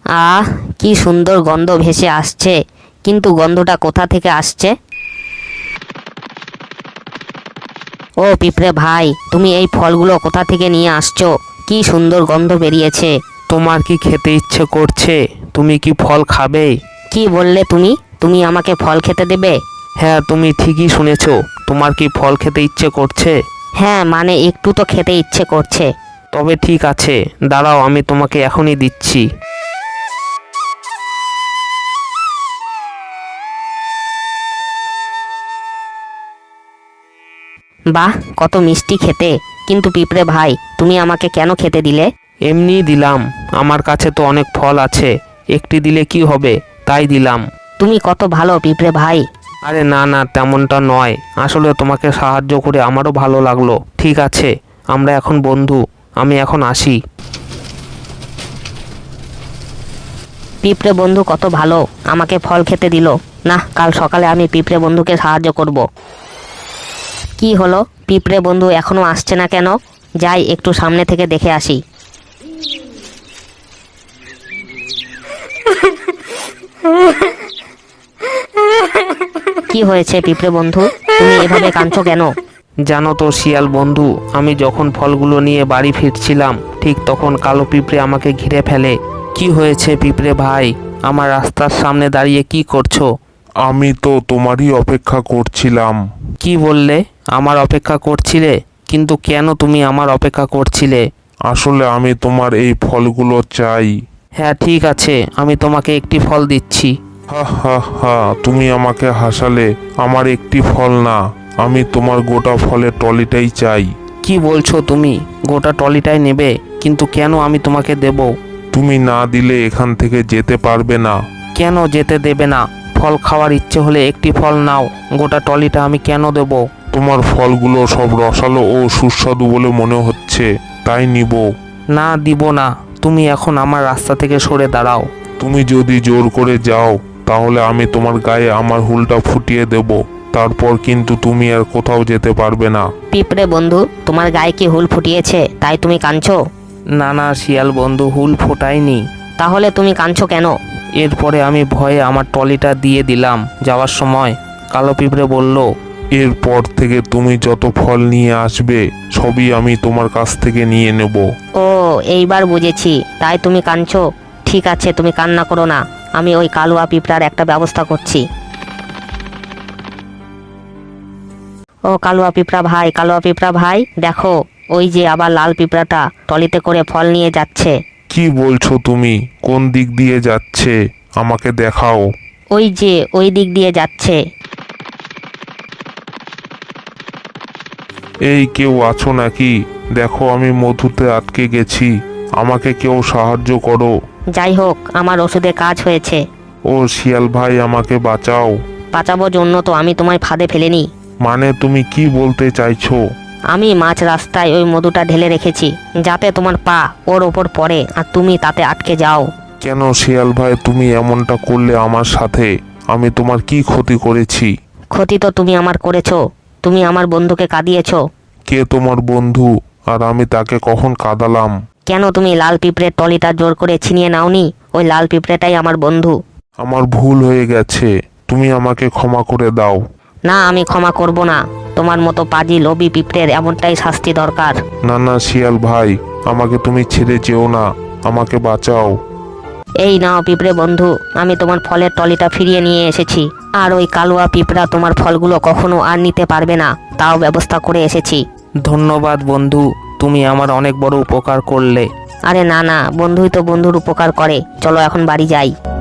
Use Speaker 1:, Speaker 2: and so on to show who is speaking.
Speaker 1: আহ, কি সুন্দর গন্ধ ভেসে আসছে, কিন্তু গন্ধটা কোথা থেকে আসছে? ও পিঁপড়ে ভাই, তুমি এই ফলগুলো কোথা থেকে নিয়ে আসছো? কি সুন্দর গন্ধ বেরিয়েছে।
Speaker 2: তোমার কি খেতে ইচ্ছে করছে? তুমি কি ফল খাবে?
Speaker 1: কি বললে তুমি? তুমি আমাকে ফল খেতে দেবে?
Speaker 2: হ্যাঁ, তুমি ঠিকই শুনেছো। তোমার কি ফল খেতে ইচ্ছে করছে?
Speaker 1: হ্যাঁ, মানে একটু তো খেতে ইচ্ছে করছে।
Speaker 2: তবে ঠিক আছে, দাঁড়াও, আমি তোমাকে এখনই দিচ্ছি।
Speaker 1: বাহ, কত মিষ্টি খেতে। কিন্তু পিঁপড়ে ভাই, তুমি আমাকে কেন খেতে দিলে?
Speaker 2: এমনিই দিলাম, আমার কাছে তো অনেক ফল আছে, একটি দিলে কি হবে, তাই দিলাম।
Speaker 1: তুমি কত ভালো পিঁপড়ে ভাই।
Speaker 2: আরে না না, তেমনটা নয়, আসলে তোমাকে সাহায্য করে আমারও ভালো লাগলো। ঠিক আছে, আমরা এখন বন্ধু, আমি এখন আসি।
Speaker 1: পিঁপড়ে বন্ধু কত ভালো, আমাকে ফল খেতে দিল। না, কাল সকালে আমি পিঁপড়ে বন্ধুকে সাহায্য করব। কি হলো, পিঁপড়ে বন্ধু এখনো আসছে না কেন? যাই একটু সামনে থেকে দেখে আসি। কি হয়েছে পিঁপড়ে বন্ধু, তুমি এভাবে কাঁদছো কেন?
Speaker 2: জানো তো শিয়াল বন্ধু, আমি যখন ফলগুলো নিয়ে বাড়ি ফিরছিলাম, ঠিক তখন কালো পিঁপড়ে আমাকে ঘিরে ফেলে। কি হয়েছে পিঁপড়ে ভাই, আমার রাস্তার সামনে দাঁড়িয়ে কি করছো?
Speaker 3: আমি তো তোমারই অপেক্ষা করছিলাম।
Speaker 2: কি বললে? আমার অপেক্ষা করছিলে? কিন্তু কেন তুমি আমার অপেক্ষা করছিলে?
Speaker 3: আসলে আমি তোমার এই ফলগুলো চাই।
Speaker 2: হ্যাঁ ঠিক আছে, আমি তোমাকে একটি ফল দিচ্ছি।
Speaker 3: হা হা হা, তুমি আমাকে হাসালে। আমার একটি ফল না, আমি তোমার গোটা ফলের টলিটাই চাই।
Speaker 2: কি বলছো তুমি? গোটা টলিটাই নেবে? কিন্তু কেন আমি তোমাকে দেব?
Speaker 3: তুমি না দিলে এখান থেকে যেতে পারবে না।
Speaker 2: কেন যেতে দেবে না? ফল খাওয়ার ইচ্ছে হলে একটি ফল নাও, গোটা টলিটা আমি কেন দেব?
Speaker 3: তোমার ফলগুলো সব রসালো ও সুস্বাদু বলে মনে হচ্ছে, তাই নিব।
Speaker 2: না, দিব না। তুমি এখন আমার রাস্তা থেকে সরে দাঁড়াও।
Speaker 3: তুমি যদি জোর করে যাও, তাহলে আমি তোমার গায়ে আমার হুলটা ফুটিয়ে দেব। তারপর কিন্তু তুমি আর কোথাও যেতে পারবে না।
Speaker 1: পিঁপড়ে বন্ধু, তোমার গায়ে কি হুল ফুটিয়েছে তাই তুমি কাঁদছো?
Speaker 2: না না শিয়াল বন্ধু, হুল ফোটায়নি।
Speaker 1: তাহলে তুমি কাঁদছো কেন?
Speaker 2: এরপরে আমি ভয়ে আমার ট্রলিটা দিয়ে দিলাম। যাওয়ার সময় কালো পিঁপড়ে বলল,
Speaker 3: এরপর থেকে তুমি যত ফল নিয়ে আসবে, সবই আমি তোমার কাছ থেকে নিয়ে নেব।
Speaker 1: ও, এইবার বুঝেছি, তাই তুমি কাঁদছো। ঠিক আছে, তুমি কান্না করো না, আমি ওই কালুয়া পিঁপড়ার একটা ব্যবস্থা করছি। ও কালুয়া পিঁপড়া ভাই, কালুয়া পিঁপড়া ভাই, দেখো, ওই যে আবার লাল পিঁপড়াটা টলিতে করে ফল নিয়ে যাচ্ছে।
Speaker 3: কি বলছো তুমি? কোন দিক দিয়ে যাচ্ছে? আমাকে দেখাও।
Speaker 1: ওই যে ওই দিক দিয়ে যাচ্ছে।
Speaker 3: এই কেউ আছো নাকি? দেখো আমি মধুতে আটকে গেছি, আমাকে কেউ সাহায্য করো।
Speaker 1: যাই হোক, আমার ওষুধে কাজ হয়েছে।
Speaker 3: ও শিয়াল ভাই, আমাকে বাঁচাও।
Speaker 1: বাঁচাবোর জন্য তো আমি তোমায় ফাঁদে ফেলিনি।
Speaker 3: মানে তুমি কি বলতে চাইছো?
Speaker 1: আমি মাঝ রাস্তায় ওই মধুটা ঢেলে রেখেছি, যাতে তোমার পা ওর ওপর পড়ে আর তুমি তাতে আটকে যাও।
Speaker 3: কেন শিয়াল ভাই, তুমি এমনটা করলে আমার সাথে? আমি তোমার কি ক্ষতি করেছি?
Speaker 1: ক্ষতি তো তুমি আমার করেছো, তুমি আমার বন্ধুকে কাঁদিয়েছো।
Speaker 3: কে তোমার বন্ধু? আর আমি তাকে কখন কাঁদালাম?
Speaker 1: কেন তুমি লাল পিঁপড়ের টলিটা জোর করে ছিনিয়ে নাওনি? ওই লাল পিঁপড়েটাই আমার বন্ধু।
Speaker 3: আমার ভুল হয়ে গেছে, তুমি আমাকে ক্ষমা করে দাও।
Speaker 1: না, আমি ক্ষমা করব না। তোমার মতো পাজি লোভী পিঁপড়ের এমনটাই শাস্তি দরকার।
Speaker 3: না না শিয়াল ভাই, আমাকে তুমি ছেড়ে যেও না, আমাকে বাঁচাও।
Speaker 1: এই নাও পিঁপড়ে বন্ধু, আমি তোমার ফলের টলিটা ফিরিয়ে নিয়ে এসেছি। আর ওই কালুয়া পিঁপড়া তোমার ফলগুলো কখনো আর নিতে পারবে না, তাও ব্যবস্থা করে এসেছি।
Speaker 2: ধন্যবাদ বন্ধু, তুমি আমার অনেক বড় উপকার করলে।
Speaker 1: আরে না না, বন্ধুই তো বন্ধুর উপকার করে। চলো এখন বাড়ি যাই।